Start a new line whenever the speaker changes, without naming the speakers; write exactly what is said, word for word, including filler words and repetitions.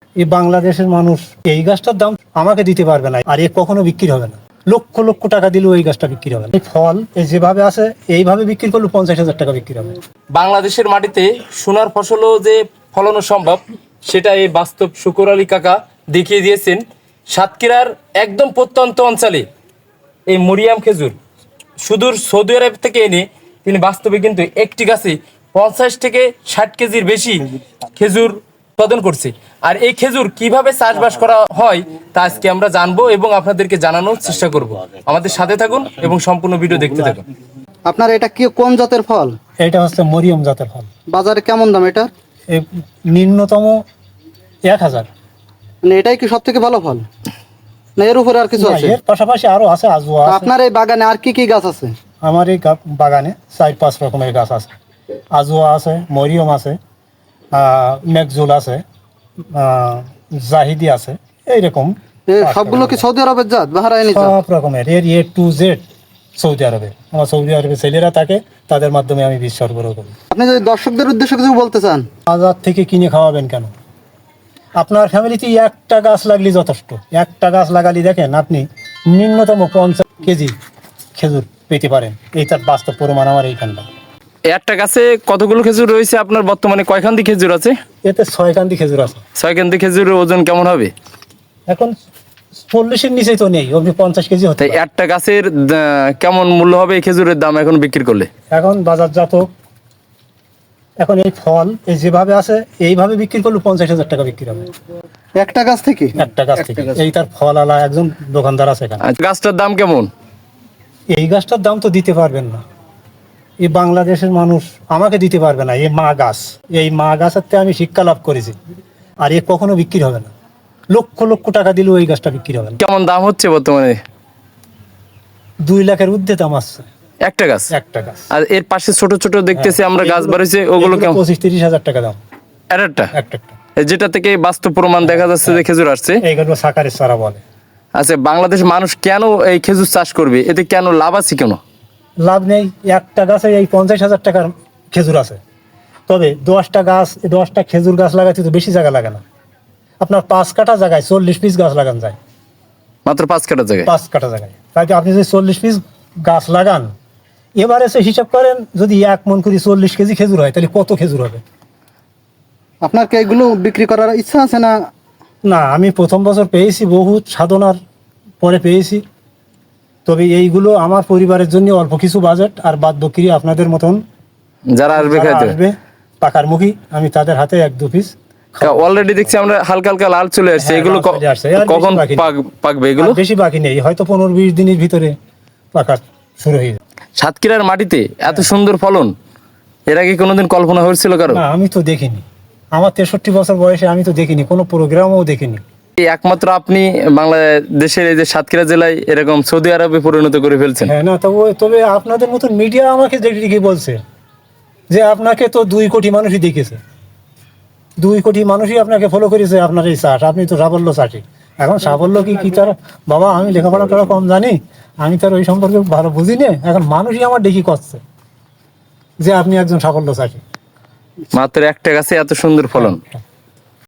এই বাংলাদেশের মানুষ এই গাছটার দাম আমাকে দিতে পারবে না, আর এ কখনো বিক্রি হবে না। লক্ষ লক্ষ টাকা দিলেও এই গাছটা বিক্রি হবে না। এই ফল এই যেভাবে আছে এইভাবে বিক্রি করলে পঞ্চাশ হাজার টাকা বিক্রি হবে।
বাংলাদেশের মাটিতে সোনার ফসলও যে ফলানো সম্ভব সেটা এই বাস্তব শুকুর আলী কাকা দেখিয়ে দিয়েছেন। সাতক্ষীরার একদম প্রত্যন্ত অঞ্চলে এই মরিয়াম খেজুর সুদূর সৌদি আরব থেকে এনে তিনি বাস্তবে কিন্তু একটি গাছে পঞ্চাশ থেকে ষাট কেজির বেশি খেজুর উৎপাদন করছে। আর এই খেজুর কিভাবে চাষবাস করা হয় তা আজকে আমরা জানবো এবং আপনাদেরকে জানানোর চেষ্টা করব। আমাদের সাথে থাকুন এবং সম্পূর্ণ ভিডিও দেখতে থাকুন।
আপনার এটা কি কোন জাতের ফল?
এটা হচ্ছে মরিয়ম জাতের ফল।
বাজারে কেমন দাম এটা?
এই নিম্নতম এক হাজার।
মানে এটাই কি সব থেকে ভালো ফল, না এর উপরে আর কিছু আছে?
এর পাশাপাশি আরো আছে, আজুয়া আছে।
আপনার এই বাগানে আর কি কি গাছ আছে?
আমার এই বাগানে চার পাঁচ রকমের গাছ আছে। আজুয়া আছে, মরিয়ম আছে, মেঘজুল আছে, জাহিদি আছে, এইরকম
সবগুলো কি সৌদি আরবের জাত? বাহরাইনি জাত?
সব রকমের এর এ টু জেড সৌদি আরবে। আমার সৌদি আরবে ছেলেরা থাকে, তাদের মাধ্যমে আমি বীজ সরবরাহ করি।
আপনি যদি দর্শকদের উদ্দেশ্যে কিছু বলতে চান?
বাজার থেকে কিনে খাওয়াবেন কেন? আপনার ফ্যামিলিতে একটা গাছ লাগলে যথেষ্ট। একটা গাছ লাগালে দেখেন আপনি নিম্নতম পঞ্চাশ কেজি খেজুর পেতে পারেন। এই তার বাস্তব প্রমাণ আমার এইখানটা।
একটা গাছে কতগুলো খেজুর রয়েছে আপনার? বর্তমানে কয়খান্তি খেজুর আছে?
এতে ছয় কান্দি খেজুর আছে।
ছয় কান্তি খেজুরের ওজন কেমন হবে?
এখন চল্লিশের নিচেই তো নেই, আপনি পঞ্চাশ কেজি হতে
তাই একটা গাছের কেমন মূল্য হবে এই খেজুরের দাম এখন বিক্রি করলে?
এখন বাজারজাত এখন এই ফল এই যেভাবে আছে এইভাবে বিক্রি করলে পঞ্চাশ হাজার টাকা বিক্রি হবে
একটা গাছ থেকে।
একটা গাছ থেকে। এই তার ফল আলা একজন দোকানদার আছে এখানে।
গাছটার দাম কেমন?
এই গাছটার দাম তো দিতে পারবেন না, এই বাংলাদেশের মানুষ আমাকে দিতে পারবে না। এই মা গাছ, এই মা গাছের থেকে আমি শিক্ষা লাভ করেছি, আর এ কখনো বিক্রি হবে না। লক্ষ লক্ষ টাকা দিলেও এই গাছটা বিক্রি হবে না।
কেমন দাম হচ্ছে বর্তমানে?
দুই লাখের ঊর্ধ্বে দাম আসছে
একটা গাছ।
একটা গাছ।
আর এর পাশে ছোট ছোট দেখতেছি আমরা গাছ বাড়িছে, ওগুলো কেমন?
পঁচিশ তিরিশ হাজার টাকা দাম
একটা
একটা একটা।
যেটা থেকে বাস্তব প্রমাণ দেখা যাচ্ছে যে খেজুর আসছে।
এইগুলো সাকারের সারা বলে।
আচ্ছা, বাংলাদেশ মানুষ কেন এই খেজুর চাষ করবে? এতে কেন লাভ আছে? কেন
লাভ নেই? একটা গাছে এই পঞ্চাশ হাজার টাকার খেজুর আছে, তবে দশটা গাছ দশটা খেজুর গাছ লাগাতে তো বেশি জায়গা লাগে না। আপনার পাঁচ কাঠা জায়গায় চল্লিশ পিস গাছ লাগান যায়,
মাত্র পাঁচ কাঠা জায়গায়।
পাঁচ কাঠা জায়গায়। তাকে আপনি যদি চল্লিশ পিস গাছ লাগান, এবারে সে হিসাব করেন যদি এক মন করে চল্লিশ কেজি খেজুর হয় তাহলে কত খেজুর হবে?
আপনার কি এগুলো বিক্রি করার ইচ্ছা আছে না?
না, আমি প্রথম বছর পেয়েছি, বহুত সাধনার পরে পেয়েছি। তবে এইগুলো আমার পরিবারের জন্য অল্প কিছু বাজেট, আর বাদ বাকি আপনাদের মতন
যারা আসবে খাইতে
পাকার মুখী আমি তাদের হাতে এক দু পিস।
অলরেডি দেখছি আমরা হালকা হালকা লাল চলে আসছে। এগুলো কখন পাকবে? এগুলো
বেশি বাকি নেই, হয়তো পনেরো বিশ দিনের ভিতরে পাকা শুরু হয়ে যাবে।
সাতক্ষীরার মাটিতে এত সুন্দর ফলন এর আগে কোনোদিন কল্পনা হয়েছিল কারো?
না, আমি তো দেখিনি। আমার তেষট্টি বছর বয়সে আমি তো দেখিনি, কোনো প্রোগ্রামও দেখিনি।
একমাত্র আপনি বাংলাদেশের এই যে সাতক্ষীরা জেলায় এরকম সৌদি আরবে পরিণত করে ফেলছেন।
হ্যাঁ, না তবে তবে আপনাদের মতন মিডিয়া আমাকে দেখে বলছে যে আপনাকে তো দুই কোটি মানুষই দেখেছে, দুই কোটি মানুষই আপনাকে ফলো করেছে, আপনার এই চাষ, আপনি তো সাফল্য চাষি। এখন সাফল্য কি কি তার বাবা, আমি লেখাপড়া করা কম জানি, আমি তার ওই সম্পর্কে ভালো বুঝি না। এখন মানুষই আমার দেখি করছে যে আপনি একজন সাফল্য চাষি।
মাত্র একটা গাছে এত সুন্দর ফলন।